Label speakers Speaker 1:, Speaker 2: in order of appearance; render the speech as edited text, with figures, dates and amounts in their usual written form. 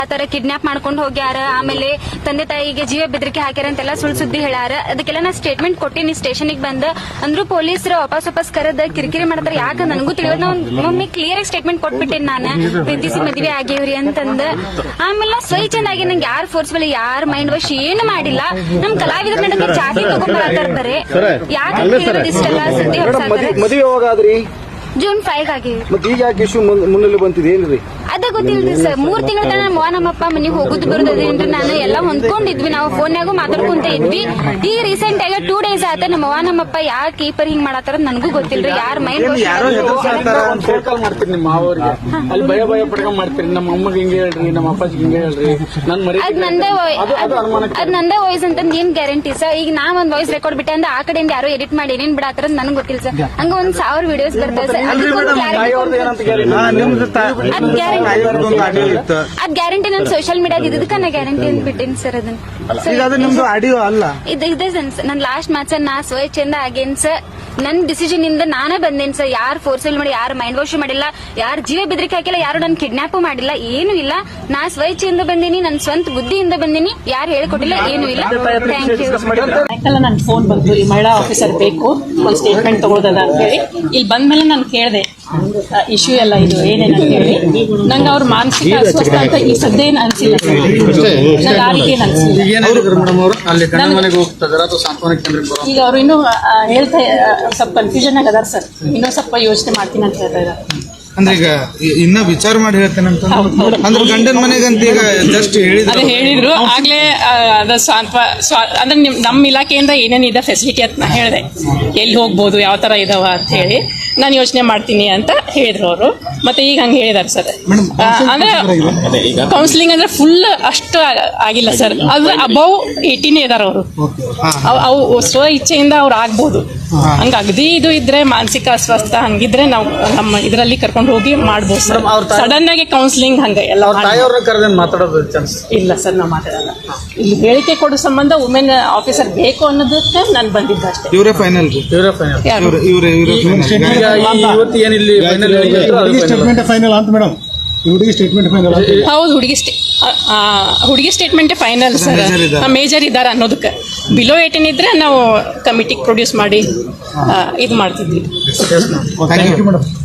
Speaker 1: ಆತರ ಕಿಡ್ನಾಪ್ ಮಾಡ್ಕೊಂಡು ಹೋಗ್ಯಾರ, ಆಮೇಲೆ ತಂದೆ ತಾಯಿಗೆ ಜೀವ ಬೆದರಿಕೆ ಹಾಕ್ಯಾರ ಅಂತೆಲ್ಲ ಸುಳ್ಳು ಸುದ್ದಿ ಹೇಳ್ಯಾರ. ಅದಕ್ಕೆಲ್ಲ ನಾ ಸ್ಟೇಟ್ಮೆಂಟ್ ಕೊಟ್ಟಿನಿ ಸ್ಟೇಷನ್ಗೆ ಬಂದ. ಅಂದ್ರೂ ಪೊಲೀಸರು ವಾಪಸ್ ಕರೆದ ಕಿರಿಕಿರಿ ಮಾಡ್ತಾರ. ಯಾಕ ನನಗೂ ತಿಳಿಯೋದು. ಮಮ್ಮಿ ಕ್ಲಿಯರ್ ಆಗಿ ಸ್ಟೇಟ್ಮೆಂಟ್ ಕೊಟ್ಬಿಟ್ಟೇನಿ ನಾನು, ಪ್ರೀತಿಸಿ ಮದ್ವೆ ಆಗೇವ್ರಿ ಅಂತಂದ. ಆಮೇಲೆ ಸ್ವಚ್ಛಂದಾಗಿ ನಂಗೆ ಯಾರು ಫೋರ್ಸ್ಬಲ್ ಯಾರು ಮೈಂಡ್ ವಾಶ್ ಏನು ಮಾಡಿಲ್ಲ. ನಮ್ ಕಲಾವಿದರ ನಡುವೆ ಜಾತಿ ತಗೊಂಡ್ಬರ್ತಾರೆ. ಯಾಕೆ ಇಷ್ಟೆಲ್ಲ ಸುದ್ದಿ
Speaker 2: ಹೊರಸಾದ್ರೆ
Speaker 1: ಜೂನ್ 5 ಆಗಿವಿ.
Speaker 2: ಮತ್ತೆ ಈಗ ಯಾಕೆ ಇಶ್ಯೂ ಮುನ್ನೆಲೆ ಬಂತಿದೆ ಏನ್ರಿ?
Speaker 1: ಅದ ಗೊತ್ತಿಲ್ರಿ ಸರ್. 3 ತಿಂಗಳ ತನ ನಮ್ಮಪ್ಪ ಮನೆಗೆ ಹೋಗುದು ಬರೋದೇನ್ರಿ. ನಾನು ಎಲ್ಲ ಹೊಂದ್ಕೊಂಡಿದ್ವಿ, ನಾವು ಫೋನ್ಯಾಗೂ ಮಾತಾಡ್ಕೊಂತ ಇದ್ವಿ. ಈಗ ರೀಸೆಂಟ್ ಆಗಿ 2 ಡೇಸ್ ಆತ ನಮ್ಮಪ್ಪ ಯಾಕೆ ಕೀಪರ್ ಹಿಂಗ್ ಮಾಡತ್ತಾರ ನನಗೂ ಗೊತ್ತಿಲ್ರಿ. ಯಾರ ಮೈಂಡ್
Speaker 3: ಮಾಡ್ತೀರಿ ನಿಮ್ಮ ಮಾವರಿಗೆ ಅಲ್ಲಿ ಭಯ ಪಡ್ಕೊಂಡ್ ಮಾಡ್ತೀರಿ. ನಮ್ಮ ಅಮ್ಮಗೆ ಹಿಂಗೆ ಹೇಳ್ರಿ, ನಮ್ಮ ಅಪ್ಪಾಜಿಗೆ ಹಿಂಗೆ ಹೇಳ್ರಿ, ನನ್ ಮರಿ
Speaker 1: ಅದ್ ನಂದೇ ವಾಯ್ಸ್ ಅಂತ ಏನ್ ಗ್ಯಾರಂಟಿ ಸರ್? ಈಗ ನಾ ಒಂದ್ ವಾಯ್ಸ್ ರೆಕಾರ್ಡ್ ಬಿಟ್ಟೆ ಅಂದ್ರೆ ಆ ಕಡೆಯಿಂದ ಯಾರೋ ಎಡಿಟ್ ಮಾಡಿ ಏನೇನ್ ಬಿಡತ್ತಾರ ನನಗೆ ಗೊತ್ತಿಲ್ಲ ಸರ್. ಹಂಗ 1000 ವಿಡಿಯೋಸ್ ಬರ್ತದೆ ಸರ್. ಅದ್ ಗ್ಯಾರಂಟಿ ನನ್ ಸೋಷಿಯಲ್ ಮೀಡಿಯಾದ ಇದಕ್ಕ ನಾ ಗ್ಯಾರಂಟಿ ಅಂತ ಬಿಟ್ಟೇನಿ ಸರ್. ಅದನ್ನ
Speaker 4: ಆಡಿಯೋ ಅಲ್ಲ
Speaker 1: ಇದೆ ನನ್ ಲಾಸ್ಟ್ ಮ್ಯಾಚ್ ನಾ ಸ್ವಚ್ಛಂದ ಆಗೇನ್ ಸರ್. ನನ್ ಡಿಸಿಷನ್ ಇಂದ ನಾನೇ ಬಂದೇನ್ ಸರ್. ಯಾರು ಫೋರ್ಸಲ್ ಮಾಡಿ, ಯಾರು ಮೈಂಡ್ ವಾಶ್ ಮಾಡಿಲ್ಲ, ಯಾರು ಜೀವ ಬೆದರಿಕೆ ಹಾಕಿಲ್ಲ, ಯಾರು ನನ್ ಕಿಡ್ನಾಪ್ ಮಾಡಿಲ್ಲ, ಏನು ಇಲ್ಲ. ನಾ ಸ್ವಚ್ಛೆಯಿಂದ ಬಂದೀನಿ, ನನ್ ಸ್ವಂತ ಬುದ್ಧಿಯಿಂದ ಬಂದೀನಿ. ಯಾರು ಹೇಳಿಕೊಟ್ಟಿಲ್ಲ, ಏನು ಇಲ್ಲ. Thank you.
Speaker 5: ನನ್ ಫೋನ್ ಬಂತು, ಈ ಮಹಿಳಾ ಆಫೀಸರ್ ಬೇಕು, ಒಂದು ಸ್ಟೇಟ್ಮೆಂಟ್ ತಗೊಳ್ದದ ಅಂತ ಹೇಳಿ. ಇಲ್ಲಿ ಬಂದ್ಮೇಲೆ ನಾನು ಕೇಳಿದೆ ಇಶ್ಯೂ ಎಲ್ಲ ಇದು ಏನೇನು ಅಂತ ಹೇಳಿ. ನಂಗೆ ಅವ್ರ ಮಾನಸಿಕ ಅಸ್ವಸ್ಥ ಅಂತ ಈ ಸದ್ಯ ಏನು ಅನ್ಸಿಲ್ಲ ಸರ್. ನಂಗೆ ಆ ರೀತಿ ಏನು ಅನ್ಸಿಲ್ಲ. ಈಗ ಅವ್ರು ಇನ್ನೂ ಹೇಳ್ತಾ ಸ್ವಲ್ಪ ಕನ್ಫ್ಯೂಷನ್ ಆಗದಾರ ಸರ್. ಇನ್ನೂ ಸ್ವಲ್ಪ ಯೋಚನೆ ಮಾಡ್ತೀನಿ ಅಂತ ಹೇಳ್ತಾ ಇದ್ದಾರೆ.
Speaker 4: ಅಂದ್ರೆ ಈಗ ಇನ್ನ ವಿಚಾರ ಮಾಡಿ ಹೇಳ್ತೇನೆ ಅಂತ ಅಂದ್ರೆ ಗಂಡನ ಮನೆಗಂತ ಈಗ ಜಸ್ಟ್
Speaker 5: ಹೇಳಿದ್ರು ಆಗ್ಲೇ. ಅದ ಅಂದ್ರೆ ನಮ್ಮ ಇಲಾಖೆಯಿಂದ ಏನೇನಿದೆ ಫೆಸಿಲಿಟಿ ಅಂತ ನಾ ಹೇಳಿದೆ. ಎಲ್ಲಿ ಹೋಗ್ಬೋದು, ಯಾವ ತರ ಇದಾವ ಅಂತ ಹೇಳಿ ನಾನು ಯೋಚನೆ ಮಾಡ್ತೀನಿ ಅಂತ ಹೇಳಿದ್ರು ಅವರು. ಮತ್ತೆ ಈಗ ಹಂಗೆ ಹೇಳಿದಾರೆ ಸರ್. ಅಂದ್ರೆ ಕೌನ್ಸಿಲಿಂಗ್ ಅಂದ್ರೆ ಫುಲ್ ಅಷ್ಟು ಆಗಿಲ್ಲ ಸರ್. ಅದು ಅಬೌವ್ 18 ಇದಾರೆ ಅವರು. ಅವು ಸ್ವ ಇಚ್ಛೆಯಿಂದ ಅವ್ರು ಆಗ್ಬೋದು. ಹಂಗ ಅಗದಿ ಇದು ಇದ್ರೆ ಮಾನಸಿಕ ಅಸ್ವಸ್ಥ ಹಂಗಿದ್ರೆ ನಾವು ನಮ್ಮ ಇದರಲ್ಲಿ ಕರ್ಕೊಂಡು ಹೋಗಿ ಮಾಡ್ಬೋದು ಸರ್. ಸಡನ್ ಆಗಿ ಕೌನ್ಸಿಲಿಂಗ್ ಹಂಗ ಎಲ್ಲ ಇಲ್ಲ ಸರ್. ನಾವು ಮಾತಾಡಲ್ಲ. ಇಲ್ಲಿ ಹೇಳಿಕೆ ಕೊಡೋ ಸಂಬಂಧ ವುಮೆನ್ ಆಫೀಸರ್ ಬೇಕು ಅನ್ನೋದಕ್ಕೆ ನಾನು ಬಂದಿದ್ದೆ ಅಷ್ಟೇ.
Speaker 4: ಇವರೇ ಫೈನಲ್. ಫೈನಲ್ ಅಂತ ಮೇಡಮ್. ಹುಡುಗಿ ಸ್ಟೇಟ್ಮೆಂಟ್ ಫೈನಲ್.
Speaker 5: ಹೌದು, ಹುಡುಗಿ ಸ್ಟೇಟ್ಮೆಂಟ್ ಫೈನಲ್ ಸರ್. ಮೇಜರ್ ಇದ್ದಾರೆ ಅನ್ನೋದಕ್ಕೆ. ಬಿಲೋ 18 ಇದ್ರೆ ನಾವು ಕಮಿಟಿಗೆ ಪ್ರೊಡ್ಯೂಸ್ ಮಾಡಿ ಇದು ಮಾಡ್ತಿದ್ವಿ.
Speaker 4: Thank you madam.